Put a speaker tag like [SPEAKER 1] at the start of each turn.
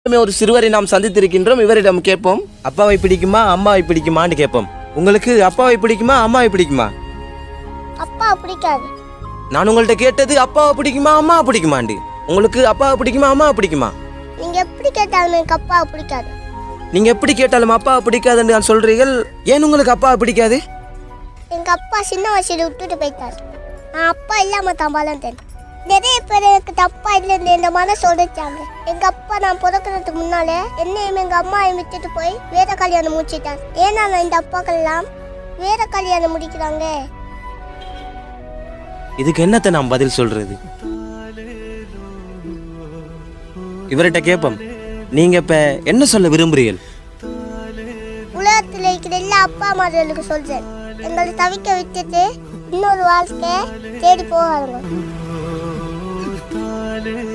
[SPEAKER 1] ஒரு சிறுவரை நாம் சந்தித்திருக்கின்றோம். இவரிடம் கேட்போம், அப்பாவை பிடிக்குமா அம்மாவை பிடிக்குமான்னு கேட்போம். உங்களுக்கு அப்பாவை பிடிக்குமா அம்மாவை பிடிக்குமா?
[SPEAKER 2] அப்பா பிடிக்காது.
[SPEAKER 1] நான் உங்கள்கிட்ட கேட்டது அப்பாவை பிடிக்குமா அம்மாவை பிடிக்குமாண்டு. உங்களுக்கு அப்பாவை பிடிக்குமா அம்மாவை பிடிக்குமா?
[SPEAKER 2] நீங்க எப்படி கேட்டாலும் எனக்கு அப்பாவை பிடிக்காது.
[SPEAKER 1] நீங்க எப்படி கேட்டாலும் அப்பாவை பிடிக்காதுன்னு நான் சொல்றீர்கள். ஏன் உங்களுக்கு அப்பாவை பிடிக்காது?
[SPEAKER 2] எங்க அப்பா சின்ன வயசுல விட்டுட்டு போயிட்டார். நான் அப்பா இல்லாம தான் வளர்ந்தேன். நிறைய பேர் எனக்கு தப்பா இல்லைன்னு இந்த மனசு உடைச்சாங்க. எங்க அப்பா நான் பிறக்கிறதுக்கு முன்னாலே என்னையும் எங்க அம்மாவையும் விட்டுட்டு போய் வேற கல்யாணம் முடிச்சிட்டார். ஏன்னா இந்த அப்பாக்கள் எல்லாம் வேற கல்யாணம் முடிக்கிறாங்க.
[SPEAKER 1] இதுக்கு என்னத்தை நான் பதில் சொல்றது? இவர்கிட்ட கேட்போம், நீங்க இப்ப என்ன சொல்ல விரும்புறீர்கள்?
[SPEAKER 2] உலகத்தில் இருக்கிற எல்லா அப்பா அம்மார்களுக்கு சொல்றேன், எங்களை தவிக்க விட்டுட்டு இன்னொரு வாழ்க்கை தேடி போகாதுங்க.